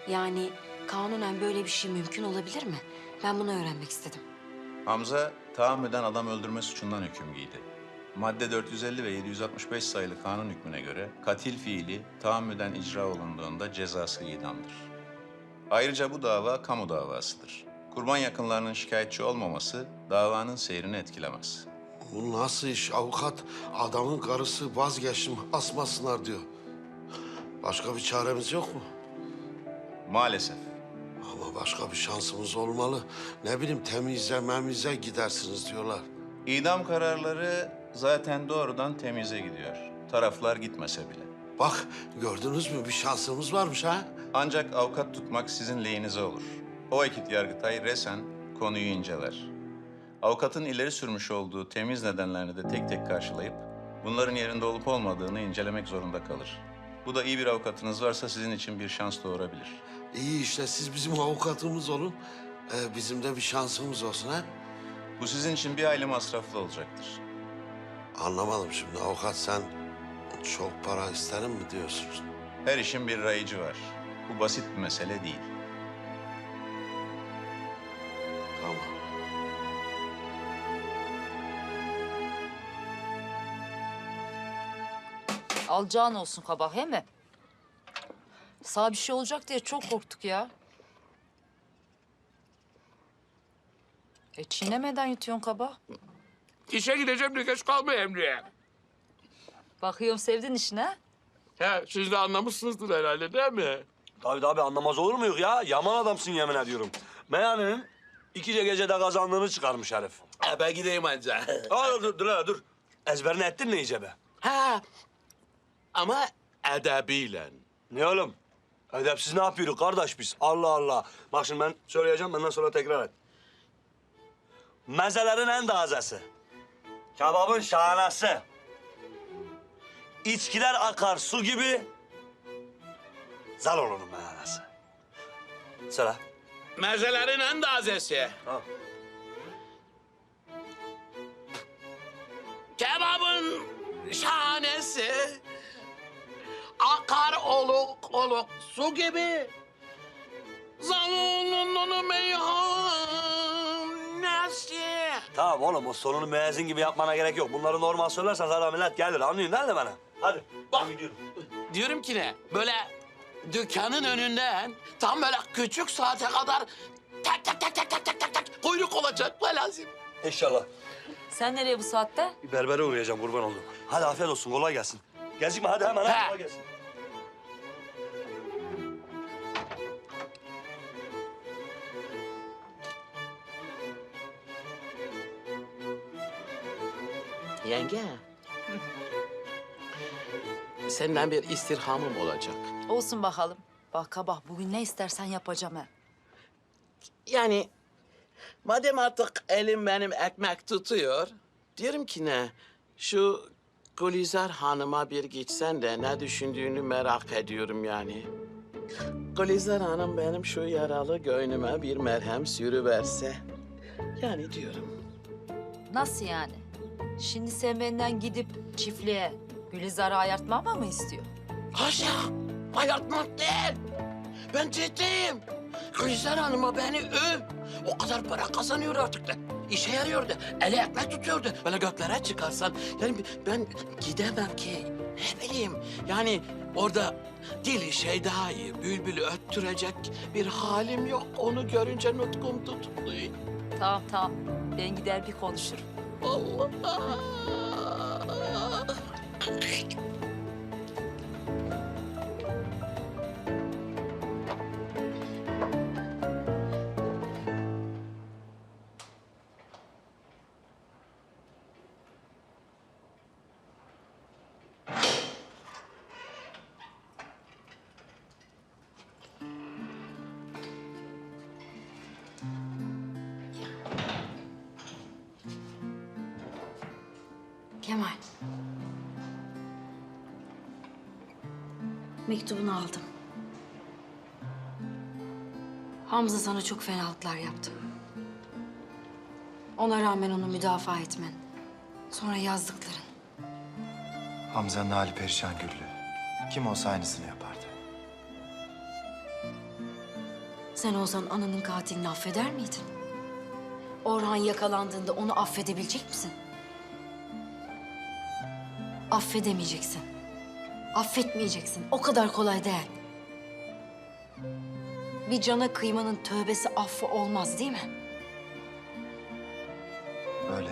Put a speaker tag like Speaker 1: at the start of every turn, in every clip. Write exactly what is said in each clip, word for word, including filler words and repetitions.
Speaker 1: Yani kanunen böyle bir şey mümkün olabilir mi? Ben bunu öğrenmek istedim.
Speaker 2: Hamza tahammüden adam öldürme suçundan hüküm giydi. Madde dört yüz elli ve yedi yüz altmış beş sayılı kanun hükmüne göre katil fiili tahammüden icra olunduğunda cezası idamdır. Ayrıca bu dava kamu davasıdır. Kurban yakınlarının şikayetçi olmaması davanın seyrini etkilemez.
Speaker 3: Bu nasıl iş avukat? Adamın karısı vazgeçtim asmasınlar diyor. Başka bir çaremiz yok mu?
Speaker 2: Maalesef.
Speaker 3: Ama başka bir şansımız olmalı. Ne bileyim temizle memize gidersiniz diyorlar.
Speaker 2: İdam kararları zaten doğrudan temize gidiyor. Taraflar gitmese bile.
Speaker 3: Bak gördünüz mü bir şansımız varmış ha?
Speaker 2: Ancak avukat tutmak sizin lehinize olur. O vakit Yargıtay resen konuyu inceler. Avukatın ileri sürmüş olduğu temiz nedenlerini de tek tek karşılayıp bunların yerinde olup olmadığını incelemek zorunda kalır. Bu da iyi bir avukatınız varsa sizin için bir şans doğurabilir.
Speaker 3: İyi işte siz bizim avukatımız olun. Ee, bizim de bir şansımız olsun ha?
Speaker 2: Bu sizin için bir hayli masraflı olacaktır.
Speaker 3: Anlamadım şimdi avukat sen çok para isterim mi diyorsunuz?
Speaker 2: Her işin bir rayıcı var. Bu basit bir mesele değil.
Speaker 3: Tamam.
Speaker 4: Alacağın olsun kabak, he mi? Sağ bir şey olacak diye çok korktuk ya. E çiğnemeden yutuyorsun kabağı.
Speaker 5: İşe gideceğim de geç kalma Emre'ye.
Speaker 4: Bakıyorum sevdin işine.
Speaker 5: He, siz de anlamışsınızdır herhalde değil mi?
Speaker 6: Tabii tabii anlamaz olur muyuz ya? Yaman adamsın yemin ediyorum. Meyhanenin iki gecede kazandığını çıkarmış herif.
Speaker 5: He, ben gideyim anca.
Speaker 6: Aa, dur dur dur. dur. Ezberini ettin mi iyice be?
Speaker 5: Ha, ama edebiyle.
Speaker 6: Ne oğlum? Edepsiz ne yapıyoruz kardeş biz? Allah Allah. Bak şimdi ben söyleyeceğim benden sonra tekrar et. Mezelerin en tazesi. Kebabın şahanesi. İçkiler akar su gibi. Zaloğlu'nun meyhanesi. Söyle.
Speaker 5: Mezelerin en tazesi.
Speaker 6: Ha.
Speaker 5: Kebabın şahanesi. Akar oluk oluk su gibi. Zalunun meyhanesi.
Speaker 6: Tamam oğlum o sonunu müezzin gibi yapmana gerek yok. Bunları normal söylersen zaten millet gelir. Anlıyorsun değil mi bana? Hadi.
Speaker 5: Bak.
Speaker 6: Ben gidiyorum.
Speaker 5: Diyorum ki ne? Böyle dükkanın önünden tam böyle küçük saate kadar tak tak tak tak tak tak tak tak kuyruk olacak be lazım.
Speaker 6: İnşallah.
Speaker 4: Sen nereye bu saatte?
Speaker 6: Bir berbere uğrayacağım kurban oldum. Hadi afiyet olsun kolay gelsin. Gecikme hadi hemen hadi
Speaker 5: He.
Speaker 6: kolay gelsin.
Speaker 5: Yenge. Senden bir istirhamım olacak.
Speaker 4: Olsun bakalım. Bak kabak bugün ne istersen yapacağım he.
Speaker 5: Yani madem artık elim benim ekmek tutuyor, diyorum ki ne, şu Gülizar Hanım'a bir gitsen de ne düşündüğünü merak ediyorum yani. Gülizar Hanım benim şu yaralı göğnüme bir merhem sürüverse. Yani diyorum.
Speaker 4: Nasıl yani? Şimdi sen benden gidip çiftliğe Gülizar'ı ayartmama mı istiyor?
Speaker 5: Haşa, ayartmak değil. Ben ciddiyim. Gülizar Hanım'a beni öv. O kadar para kazanıyor artık da. İşe yarıyordu. Eli ekmek tutuyordu. Böyle göklere çıkarsan. Yani ben gidemem ki. Ne bileyim. Yani orada dili şey daha iyi. Bülbülü öttürecek bir halim yok. Onu görünce nutkum tutuluyor.
Speaker 4: Tamam tamam. Ben gider bir konuşurum.
Speaker 5: Allah.
Speaker 1: Kemal. Mektubunu aldım. Hamza sana çok fenalıklar yaptı. Ona rağmen onu müdafaa etmen. Sonra yazdıkların.
Speaker 7: Hamza'nın hali perişan Güllü. Kim olsa aynısını yapardı.
Speaker 1: Sen olsan ananın katilini affeder miydin? Orhan yakalandığında onu affedebilecek misin? Affedemeyeceksin. Affetmeyeceksin. O kadar kolay değil. Bir cana kıymanın tövbesi affı olmaz değil mi?
Speaker 7: Öyle.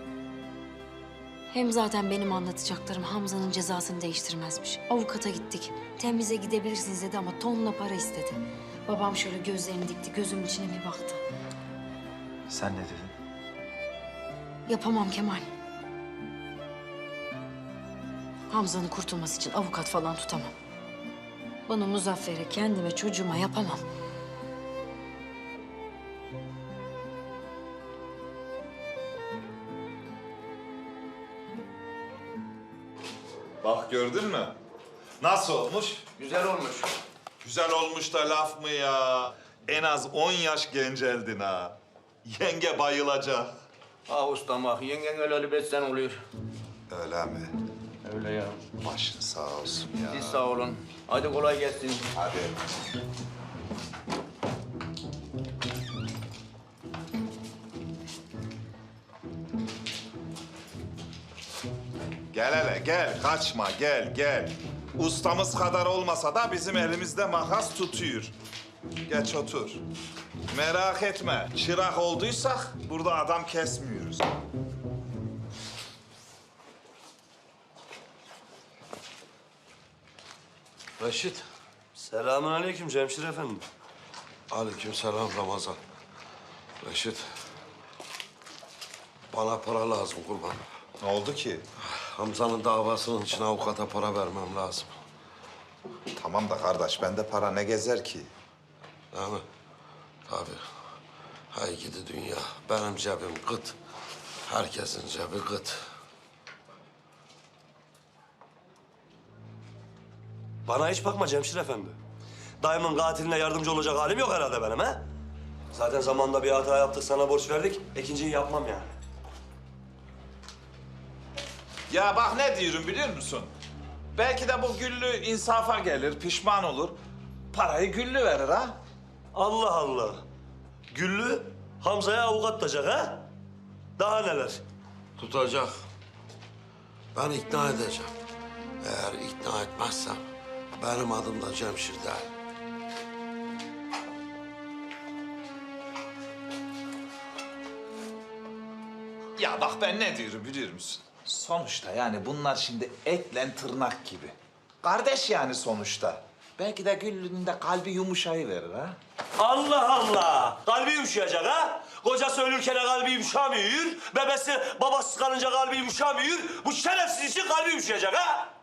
Speaker 1: Hem zaten benim anlatacaklarım Hamza'nın cezasını değiştirmezmiş. Avukata gittik. Temize gidebilirsiniz dedi ama tonla para istedi. Babam şöyle gözlerini dikti, gözümün içine bir baktı.
Speaker 7: Sen ne dedin?
Speaker 1: Yapamam Kemal. Hamza'nın kurtulması için avukat falan tutamam. Bana, Muzaffer'e, kendime, çocuğuma yapamam.
Speaker 8: Bak gördün mü? Nasıl olmuş?
Speaker 5: Güzel olmuş.
Speaker 8: Güzel olmuş da laf mı ya? En az on yaş genceldin ha. Yenge bayılacak.
Speaker 5: Ah ustam bak, yengen öyle besten oluyor.
Speaker 8: Öyle mi?
Speaker 5: Öyle ya.
Speaker 8: Başın sağ olsun ya.
Speaker 5: Siz sağ olun. Hadi kolay gelsin.
Speaker 8: Hadi. Gel hele gel, kaçma gel gel. Ustamız kadar olmasa da bizim elimizde makas tutuyor. Geç otur. Merak etme, çırak olduysak burada adam kesmiyoruz.
Speaker 3: Reşit.
Speaker 6: Selamünaleyküm Cemşir efendi.
Speaker 3: Aleykümselam Ramazan. Reşit. Bana para lazım kurban.
Speaker 8: Ne oldu ki?
Speaker 3: Hamza'nın davasının için avukata para vermem lazım.
Speaker 8: Tamam da kardeş, bende para ne gezer ki?
Speaker 3: Değil mi? Tabii. Hay gidi dünya. Benim cebim gıt. Herkesin cebi gıt.
Speaker 6: Bana hiç bakma Cemşir efendi. Dayımın katiline yardımcı olacak halim yok herhalde benim ha? Zaten zamanında bir hata yaptık, sana borç verdik. İkinciyi yapmam yani.
Speaker 8: Ya bak ne diyorum biliyor musun? Belki de bu Güllü insafa gelir, pişman olur. Parayı Güllü verir ha?
Speaker 6: Allah Allah. Güllü Hamza'ya avukat tutacak ha? Daha neler?
Speaker 3: Tutacak. Ben ikna edeceğim. Eğer ikna etmezsem benim adım da Cemşir değil.
Speaker 8: Ya bak ben ne diyorum biliyor musun? Sonuçta yani bunlar şimdi etle tırnak gibi. Kardeş yani sonuçta. Belki de Güllü'nün de kalbi yumuşayıverir ha?
Speaker 6: Allah Allah! Kalbi yumuşayacak ha? Kocası ölürken kalbi yumuşamıyor. Bebesi babası kalınca kalbi yumuşamıyor. Bu şerefsiz için kalbi yumuşayacak ha?